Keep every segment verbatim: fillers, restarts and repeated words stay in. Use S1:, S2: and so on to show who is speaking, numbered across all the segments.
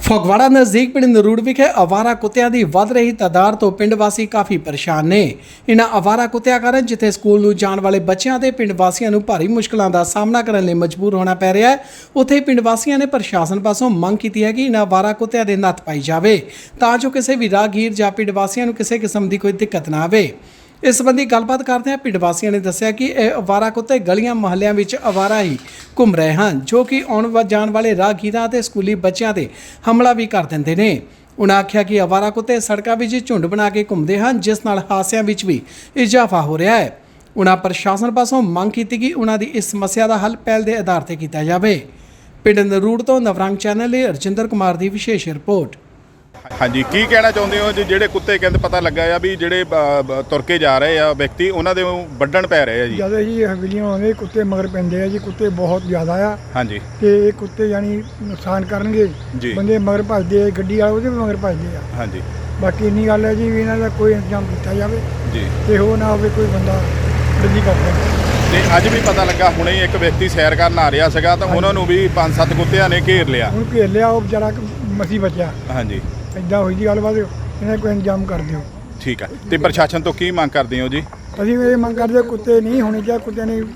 S1: ਫਗਵਾੜਾ ਨਜ਼ਦੀਕ ਪਿੰਡ ਨਰੂੜ ਵਿਖੇ ਅਵਾਰਾ ਕੁੱਤਿਆਂ ਦੀ ਵੱਧ ਰਹੀ ਤਾਦਾਦ ਤੋਂ ਪਿੰਡ ਵਾਸੀ ਕਾਫੀ ਪਰੇਸ਼ਾਨ ਨੇ। ਇਨ੍ਹਾਂ ਅਵਾਰਾ ਕੁੱਤਿਆਂ ਕਾਰਨ ਜਿੱਥੇ ਸਕੂਲ ਨੂੰ ਜਾਣ ਵਾਲੇ ਬੱਚਿਆਂ ਤੇ ਪਿੰਡ ਵਾਸੀਆਂ ਨੂੰ ਭਾਰੀ ਮੁਸ਼ਕਲਾਂ ਦਾ ਸਾਹਮਣਾ ਕਰਨ ਲਈ ਮਜਬੂਰ ਹੋਣਾ ਪੈ ਰਿਹਾ ਹੈ, ਉੱਥੇ ਪਿੰਡ ਵਾਸੀਆਂ ਨੇ ਪ੍ਰਸ਼ਾਸਨ ਪਾਸੋਂ ਮੰਗ ਕੀਤੀ ਹੈ ਕਿ ਇਨ੍ਹਾਂ ਅਵਾਰਾ ਕੁੱਤਿਆਂ ਦੇ ਨੱਥ ਪਾਈ ਜਾਵੇ ਤਾਂ ਜੋ ਕਿਸੇ ਵੀ ਰਾਹਗੀਰ ਜਾਂ ਪਿੰਡ ਵਾਸੀਆਂ ਨੂੰ ਕਿਸੇ ਕਿਸਮ ਦੀ ਕੋਈ ਦਿੱਕਤ ਨਾ ਆਵੇ। ਇਸ ਸੰਬੰਧੀ ਗੱਲਬਾਤ ਕਰਦਿਆਂ ਪਿੰਡ ਵਾਸੀਆਂ ਨੇ ਦੱਸਿਆ ਕਿ ਇਹ ਅਵਾਰਾ ਕੁੱਤੇ ਗਲੀਆਂ ਮੁਹੱਲਿਆਂ ਵਿੱਚ ਅਵਾਰਾ ਹੀ ਘੁੰਮ ਰਹੇ ਹਨ, ਜੋ ਕਿ ਆਉਣ ਜਾਣ ਵਾਲੇ ਰਾਹਗੀਰਾਂ ਤੇ ਸਕੂਲੀ ਬੱਚਿਆਂ ਤੇ ਹਮਲਾ ਵੀ ਕਰ ਦਿੰਦੇ ਨੇ। ਉਨ੍ਹਾਂ ਆਖਿਆ ਕਿ ਅਵਾਰਾ ਕੁੱਤੇ ਸੜਕਾਂ ਵਿੱਚ ਝੁੰਡ ਬਣਾ ਕੇ ਘੁੰਮਦੇ ਹਨ, ਜਿਸ ਨਾਲ ਹਾਦਸਿਆਂ ਵਿੱਚ ਵੀ ਇਜ਼ਾਫਾ ਹੋ ਰਿਹਾ ਹੈ। ਉਨ੍ਹਾਂ ਪ੍ਰਸ਼ਾਸਨ ਪਾਸੋਂ ਮੰਗ ਕੀਤੀ ਕਿ ਉਨ੍ਹਾਂ ਦੀ ਇਸ ਸਮੱਸਿਆ ਦਾ ਹੱਲ ਪਹਿਲ ਦੇ ਆਧਾਰ ਤੇ ਕੀਤਾ ਜਾਵੇ। ਪਿੰਡ ਨਰੂੜ ਤੋਂ ਨਵਰੰਗ ਚੈਨਲ ਲਈ ਰਜਿੰਦਰ ਕੁਮਾਰ ਦੀ ਵਿਸ਼ੇਸ਼ ਰਿਪੋਰਟ।
S2: ਹਾਂਜੀ, ਕੀ ਕਹਿਣਾ ਚਾਹੁੰਦੇ ਹੋ ਜੀ? ਜਿਹੜੇ ਕੁੱਤੇ ਕਹਿੰਦੇ ਪਤਾ ਲੱਗਾ ਆ ਵੀ ਜਿਹੜੇ ਤੁਰ ਕੇ ਜਾ ਰਹੇ ਆ ਵਿਅਕਤੀ, ਉਹਨਾਂ ਦੇ ਵੱਢਣ ਪੈ ਰਹੇ ਆ ਜੀ।
S3: ਜਦੋਂ ਜੀ ਹਵੇਲੀਆਂ ਆਉਂਦੇ ਕੁੱਤੇ ਮਗਰ ਪੈਂਦੇ ਆ ਜੀ, ਕੁੱਤੇ ਬਹੁਤ ਜ਼ਿਆਦਾ ਆ।
S2: ਹਾਂਜੀ,
S3: ਤੇ ਇਹ ਕੁੱਤੇ ਯਾਨੀ ਨੁਕਸਾਨ ਕਰਨਗੇ, ਬੰਦੇ ਮਗਰ ਭੱਜਦੇ ਆ, ਗੱਡੀ ਵਾਲੇ ਉਹਦੇ ਵੀ ਮਗਰ ਭੱਜਦੇ ਆ।
S2: ਹਾਂਜੀ,
S3: ਬਾਕੀ ਇੰਨੀ ਗੱਲ ਹੈ ਜੀ ਵੀ ਇਹਨਾਂ ਦਾ ਕੋਈ ਇੰਤਜ਼ਾਮ ਕੀਤਾ ਜਾਵੇ
S2: ਜੀ,
S3: ਤੇ ਉਹ ਨਾ ਹੋਵੇ ਕੋਈ ਬੰਦਾ ਗੱਡੀ ਕਰਦਾ।
S2: ਤੇ ਅੱਜ ਵੀ ਪਤਾ ਲੱਗਾ ਹੁਣੇ ਹੀ ਇੱਕ ਵਿਅਕਤੀ ਸੈਰ ਕਰਨ ਆ ਰਿਹਾ ਸੀਗਾ ਤਾਂ ਉਹਨਾਂ ਨੂੰ ਵੀ ਪੰਜ ਸੱਤ ਕੁੱਤਿਆਂ ਨੇ ਘੇਰ ਲਿਆ।
S3: ਹੁਣ ਘੇਰ ਲਿਆ, ਉਹ ਵਿਚਾਰਾ ਮਸੀ ਬਚਿਆ।
S2: ਹਾਂਜੀ,
S3: ਇੱਦਾਂ ਹੋਈ ਜੀ ਗੱਲਬਾਤ, ਇਹਨਾਂ ਕੋਈ ਇੰਤਜ਼ਾਮ ਕਰ ਦਿਓ।
S2: ਠੀਕ ਆ। ਤੇ ਪ੍ਰਸ਼ਾਸਨ ਤੋਂ ਕੀ ਮੰਗ ਕਰਦੇ ਹੋ ਜੀ?
S3: ਅਸੀਂ ਇਹ ਮੰਗ ਕਰਦੇ ਕੁੱਤੇ ਨਹੀਂ ਹੋਣੇ ਚਾਹੀਦੇ, ਕੁੱਤਿਆਂ ਨੇ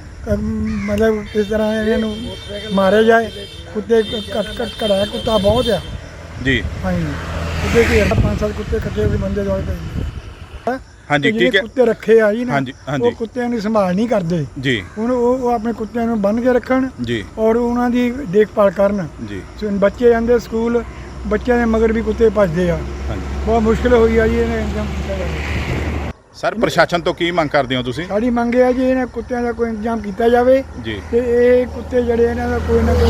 S3: ਮਤਲਬ ਇਸ ਤਰ੍ਹਾਂ ਇਹਨਾਂ ਨੂੰ ਮਾਰਿਆ ਜਾਏ। ਕੁੱਤੇ ਘੱਟ ਘੱਟ ਘੜਾ ਕੁੱਤਾ ਬਹੁਤ ਆ
S2: ਜੀ।
S3: ਹਾਂਜੀ, ਕੁੱਤੇ ਘੇਰ ਪੰਜ ਸੱਤ ਕੁੱਤੇ ਇਕੱਠੇ ਹੋ ਕੇ ਬੰਦੇ ਦੌੜ ਪਏ।
S2: ਹਾਂਜੀ, ਕੀ ਕਹਿ
S3: ਕੁੱਤੇ ਰੱਖੇ ਆ ਜੀ ਨਾ,
S2: ਹਾਂਜੀ, ਹਾਂਜੀ,
S3: ਉਹ ਕੁੱਤਿਆਂ ਦੀ ਸੰਭਾਲ ਨਹੀਂ ਕਰਦੇ
S2: ਜੀ।
S3: ਹੁਣ ਉਹ ਉਹ ਆਪਣੇ ਕੁੱਤਿਆਂ ਨੂੰ ਬੰਨ੍ਹ ਕੇ ਰੱਖਣ
S2: ਜੀ
S3: ਔਰ ਉਹਨਾਂ ਦੀ ਦੇਖਭਾਲ ਕਰਨ
S2: ਜੀ।
S3: ਬੱਚੇ ਜਾਂਦੇ ਸਕੂਲ, ਬੱਚਿਆਂ ਦੇ ਮਗਰ ਵੀ ਕੁੱਤੇ ਭੱਜਦੇ ਆ।
S2: ਹਾਂਜੀ,
S3: ਬਹੁਤ ਮੁਸ਼ਕਿਲ ਹੋਈ ਆ ਜੀ, ਇਹਨੇ ਇੰਤਜ਼ਾਮ ਕੀਤਾ ਜਾਵੇ।
S2: ਸਰ ਪ੍ਰਸ਼ਾਸਨ ਤੋਂ ਕੀ ਮੰਗ ਕਰਦੇ ਹੋ ਤੁਸੀਂ?
S3: ਸਾਡੀ ਮੰਗ ਇਹ ਆ ਜੀ ਇਹਨਾਂ ਕੁੱਤਿਆਂ ਦਾ ਕੋਈ ਇੰਤਜ਼ਾਮ ਕੀਤਾ ਜਾਵੇ
S2: ਜੀ।
S3: ਤੇ ਇਹ ਕੁੱਤੇ ਜਿਹੜੇ ਇਹਨਾਂ ਦਾ ਕੋਈ ਨਾ ਕੋਈ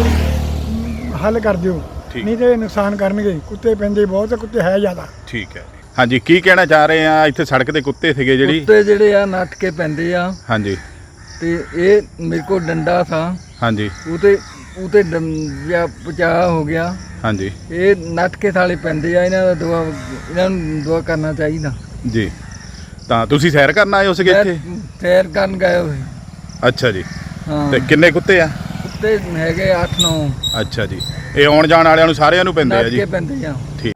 S3: ਹੱਲ ਕਰ ਦਿਓ, ਨਹੀਂ ਤੇ ਨੁਕਸਾਨ ਕਰਨਗੇ। ਕੁੱਤੇ ਪੈਂਦੇ ਬਹੁਤ ਆ, ਕੁੱਤੇ ਹੈ ਜ਼ਿਆਦਾ।
S2: ਠੀਕ ਹੈ। ਹਾਂਜੀ, ਕੀ ਕਹਿਣਾ ਚਾਹ ਰਹੇ ਆ? ਇੱਥੇ ਸੜਕ ਤੇ ਕੁੱਤੇ ਸੀਗੇ ਜਿਹੜੀ
S4: ਕੁੱਤੇ ਜਿਹੜੇ ਆ ਨੱਠ ਕੇ ਪੈਂਦੇ ਆ।
S2: ਹਾਂਜੀ,
S4: ਤੇ ਇਹ ਮੇਰੇ ਕੋਲ ਡੰਡਾ ਥਾ।
S2: ਹਾਂਜੀ,
S4: ਉਤੇ ਉਤੇ ਜਾਂ ਬਚਾ ਹੋ ਗਿਆ।
S2: ਹਾਂਜੀ,
S4: ਇਹ ਨੱਠ ਕੇ ਥਾਲੇ ਪੈਂਦੇ ਆ। ਇਹਨਾਂ ਦਾ ਦੁਆ ਇਹਨਾਂ ਨੂੰ ਦੁਆ ਕਰਨਾ ਚਾਹੀਦਾ
S2: ਜੀ। ਤਾਂ ਤੁਸੀਂ ਸੈਰ ਕਰਨ ਆਏ ਹੋ ਸੀਗੇ ਇੱਥੇ?
S4: ਸੈਰ ਕਰਨ ਗਏ ਹੋਏ।
S2: ਅੱਛਾ ਜੀ।
S4: ਹਾਂ,
S2: ਤੇ ਕਿੰਨੇ ਕੁੱਤੇ ਆ?
S4: ਕੁੱਤੇ ਹੈਗੇ ਅੱਠ ਨੌ।
S2: ਅੱਛਾ ਜੀ। ਇਹ ਆਉਣ ਜਾਣ ਵਾਲਿਆਂ ਨੂੰ ਸਾਰਿਆਂ ਨੂੰ ਪੈਂਦੇ ਆ
S4: ਨੱਠ
S2: ਜੀ?
S4: ਕੇ ਪੈਂਦੇ ਆ।
S2: ਠੀਕ।